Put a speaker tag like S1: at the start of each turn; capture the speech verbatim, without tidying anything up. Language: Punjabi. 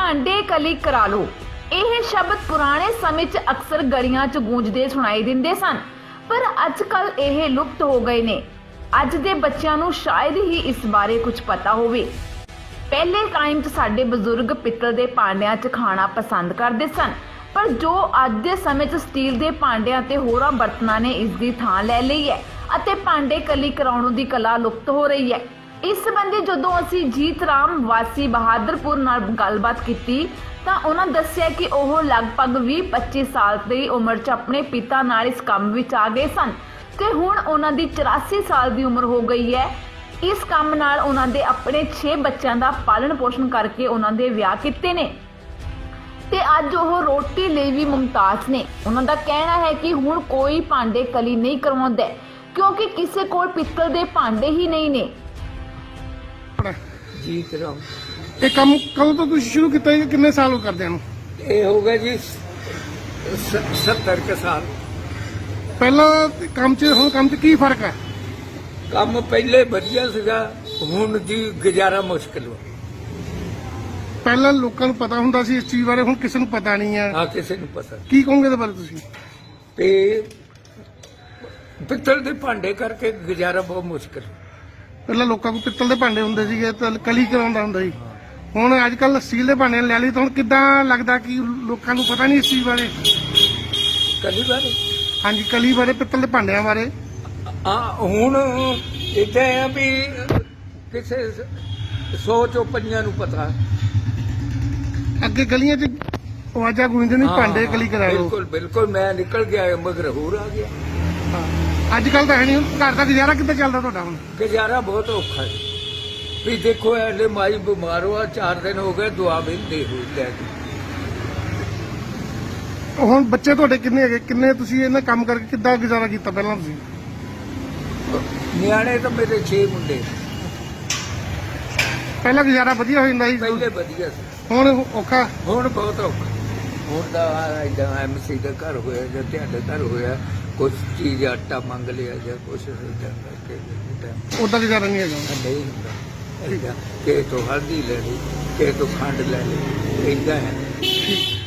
S1: ਭਾਂਡੇ ਕਲੀ ਕਰਾ ਲਓ। ਇਹ ਸ਼ਬਦ ਪੁਰਾਣੇ ਸਮੇਂ 'ਚ ਅਕਸਰ ਗਲੀਆਂ 'ਚ ਗੂੰਜਦੇ ਸੁਣਾਈ ਦਿੰਦੇ ਸਨ, ਪਰ ਅੱਜ ਕੱਲ ਇਹ ਲੁਪਤ ਹੋ ਗਏ ਨੇ। ਅੱਜ ਦੇ ਬੱਚਿਆਂ ਨੂੰ ਸ਼ਾਇਦ ਹੀ ਇਸ ਬਾਰੇ ਕੁਝ ਪਤਾ ਹੋਵੇ। ਪਹਿਲੇ ਟਾਈਮ 'ਚ ਸਾਡੇ ਬਜ਼ੁਰਗ ਪਿੱਤਲ ਦੇ ਭਾਂਡਿਆਂ 'ਚ ਖਾਣਾ ਪਸੰਦ ਕਰਦੇ ਸਨ, ਪਰ ਜੋ ਅੱਜ ਦੇ ਸਮੇਂ 'ਚ ਸਟੀਲ ਦੇ ਭਾਂਡਿਆਂ ਤੇ ਹੋਰਾਂ ਬਰਤਨਾਂ ਨੇ ਇਸ ਦੀ ਥਾਂ ਲੈ ਲਈ ਹੈ ਅਤੇ ਭਾਂਡੇ ਕਲੀ ਕਰਾਉਣ ਦੀ ਕਲਾ ਲੁਪਤ ਹੋ ਰਹੀ ਹੈ। ਇਸ ਸੰਬੰਧੀ ਜਦੋਂ ਅਸੀਂ ਜੀਤ ਰਾਮ ਵਾਸੀ ਬਹਾਦਰਪੁਰ ਨਾਲ ਗੱਲਬਾਤ ਕੀਤੀ ਤਾਂ ਉਹਨਾਂ ਦੱਸਿਆ ਕਿ ਉਹ ਲਗਭਗ ਵੀਹ ਪੱਚੀ ਸਾਲ ਦੀ ਉਮਰ 'ਚ ਆਪਣੇ ਪਿਤਾ ਨਾਲ ਇਸ ਕੰਮ ਵਿੱਚ ਆ ਗਏ ਸਨ ਤੇ ਹੁਣ ਉਹਨਾਂ ਦੀ ਚੁਰਾਸੀ ਸਾਲ ਦੀ ਉਮਰ ਹੋ ਗਈ ਹੈ। ਇਸ ਕੰਮ ਨਾਲ ਉਹਨਾਂ ਦੇ ਆਪਣੇ ਛੇ ਬੱਚਿਆਂ ਦਾ ਪਾਲਣ ਪੋਸ਼ਣ ਕਰਕੇ ਉਹਨਾਂ ਦੇ ਵਿਆਹ ਕੀਤੇ ਨੇ ਤੇ ਅੱਜ ਉਹ ਰੋਟੀ ਲਈ ਵੀ ਮੁਮਤਾਜ਼ ਨੇ। ਉਹਨਾਂ ਦਾ ਕਹਿਣਾ ਹੈ ਕਿ ਹੁਣ ਕੋਈ ਭਾਂਡੇ ਕਲੀ ਨਹੀਂ ਕਰਵਾਉਂਦਾ ਕਿਉਂਕਿ ਕਿਸੇ ਕੋਲ ਪਿੱਤਲ ਦੇ ਭਾਂਡੇ ਹੀ ਨਹੀਂ ਨੇ।
S2: ਜੀ ਕਰਾਓ।
S3: ਇਹ ਕੰਮ ਕਦੋਂ ਤੋਂ ਤੁਸੀਂ ਸ਼ੁਰੂ ਕੀਤਾ ਜੀ? ਕਿੰਨੇ ਸਾਲ ਹੋ ਕਰਦਿਆਂ ਨੂੰ?
S2: ਇਹ ਹੋ ਗਿਆ ਜੀ ਸੱਤਰ ਕੁ ਸਾਲ।
S3: ਪਹਿਲਾਂ ਕੰਮ 'ਚ ਹੁਣ ਕੰਮ 'ਚ ਕੀ ਫਰਕ ਹੈ?
S2: ਕੰਮ ਪਹਿਲੇ ਵਧੀਆ ਸੀਗਾ, ਹੁਣ ਜੀ ਗੁਜ਼ਾਰਾ ਮੁਸ਼ਕਿਲ ਹੋ।
S3: ਪਹਿਲਾਂ ਲੋਕਾਂ ਨੂੰ ਪਤਾ ਹੁੰਦਾ ਸੀ ਇਸ ਚੀਜ਼ ਬਾਰੇ, ਹੁਣ ਕਿਸੇ ਨੂੰ ਪਤਾ ਨਹੀਂ ਹੈ।
S2: ਆ ਕਿਸੇ ਨੂੰ ਪਤਾ
S3: ਕੀ ਕਹੋਗੇ ਇਹਦੇ ਬਾਰੇ ਤੁਸੀਂ?
S2: ਤੇ ਪਿੱਤਲ ਦੇ ਭਾਂਡੇ ਕਰਕੇ ਗੁਜ਼ਾਰਾ ਬਹੁਤ ਮੁਸ਼ਕਿਲ।
S3: ਪਹਿਲਾਂ ਲੋਕਾਂ ਕੋਲ ਪਿੱਤਲ ਦੇ ਭਾਂਡੇ ਹੁੰਦੇ ਸੀਗੇ ਤਾਂ ਕਲੀ ਕਰਾਉਂਦਾ ਹੁੰਦਾ ਸੀ, ਹੁਣ ਅੱਜ ਕੱਲ ਸਟੀਲ ਦੇ ਭਾਂਡੇ ਲੈ ਲਈ ਤਾਂ ਹੁਣ ਕਿੱਦਾਂ ਲੱਗਦਾ ਕਿ ਲੋਕਾਂ ਨੂੰ ਪਤਾ ਨਹੀਂ ਇਸ ਚੀਜ਼ ਬਾਰੇ?
S2: ਕਦੀ ਵਾਰ
S3: ਹਾਂਜੀ, ਕਲੀ ਬਾਰੇ, ਪਿੱਤਲ ਦੇ ਭਾਂਡਿਆਂ ਬਾਰੇ।
S2: ਆ ਹੁਣ ਇੱਥੇ ਆ ਵੀ ਕਿਸੇ ਸੌ ਚੋਂ ਪੰਜਾਂ ਨੂੰ ਪਤਾ।
S3: ਅੱਗੇ ਗਲੀਆਂ 'ਚ ਆਵਾਜ਼ਾਂ ਗੂੰਜਦੀਆਂ ਨੇ ਭਾਂਡੇ ਕਲੀ ਕਰਾ ਲਓ।
S2: ਬਿਲਕੁਲ ਬਿਲਕੁਲ, ਮੈਂ ਨਿਕਲ ਗਿਆ ਮਗਰ ਹੋਰ ਆ ਗਿਆ।
S3: ਅੱਜ ਕੱਲ ਤਾਂ ਹੈ ਨਹੀਂ। ਘਰ ਦਾ ਗੁਜ਼ਾਰਾ ਕਿੱਦਾਂ ਚੱਲਦਾ ਤੁਹਾਡਾ ਹੁਣ?
S2: ਗੁਜ਼ਾਰਾ ਬਹੁਤ ਔਖਾ ਹੈ ਵੀ ਦੇਖੋ ਐਲੇ ਮਾਈ ਬਿਮਾਰ ਹੋਆ, ਚਾਰ ਦਿਨ ਹੋ ਗਏ ਦੁਆ ਵੀ ਦੇ ਹੋਈ ਲੈ ਕੇ।
S3: ਹੁਣ ਬੱਚੇ ਤੁਹਾਡੇ ਕਿੰਨੇ ਹੈਗੇ? ਕਿੰਨੇ ਤੁਸੀਂ ਇਹਨਾਂ ਕੰਮ ਕਰਕੇ ਕਿੱਦਾਂ ਗੁਜ਼ਾਰਾ ਕੀਤਾ ਪਹਿਲਾਂ ਤੁਸੀਂ?
S2: ਨਿਆਣੇ ਤਾਂ ਮੇਰੇ ਛੇ ਮੁੰਡੇ।
S3: ਪਹਿਲਾਂ ਗੁਜ਼ਾਰਾ ਵਧੀਆ ਹੋ ਜਾਂਦਾ ਸੀ,
S2: ਪਹਿਲੇ ਵਧੀਆ ਸੀ,
S3: ਹੁਣ ਔਖਾ।
S2: ਹੁਣ ਬਹੁਤ ਔਖਾ। ਹੁਣ ਤਾਂ ਏਦਾਂ ਐਮਸੀ ਦਾ ਘਰ ਹੋਇਆ ਜਾਂ ਤੁਹਾਡੇ ਘਰ ਹੋਇਆ, ਕੁਛ ਚੀਜ਼ ਆਟਾ ਮੰਗ ਲਿਆ ਜਾਂ ਕੁਛ ਏਦਾਂ ਕਰਕੇ
S3: ਉਦਾਂ ਗੁਜ਼ਾਰਾ ਨਹੀਂ ਹੈਗਾ।
S2: ਨਹੀਂ ਹੁੰਦਾ। ਏਦਾਂ ਕਿਸੇ ਤੋਂ ਹਲਦੀ ਲੈ ਲਈ, ਕਿਸੇ ਤੋਂ ਖੰਡ ਲੈ ਲਈ, ਏਦਾਂ ਹੈ।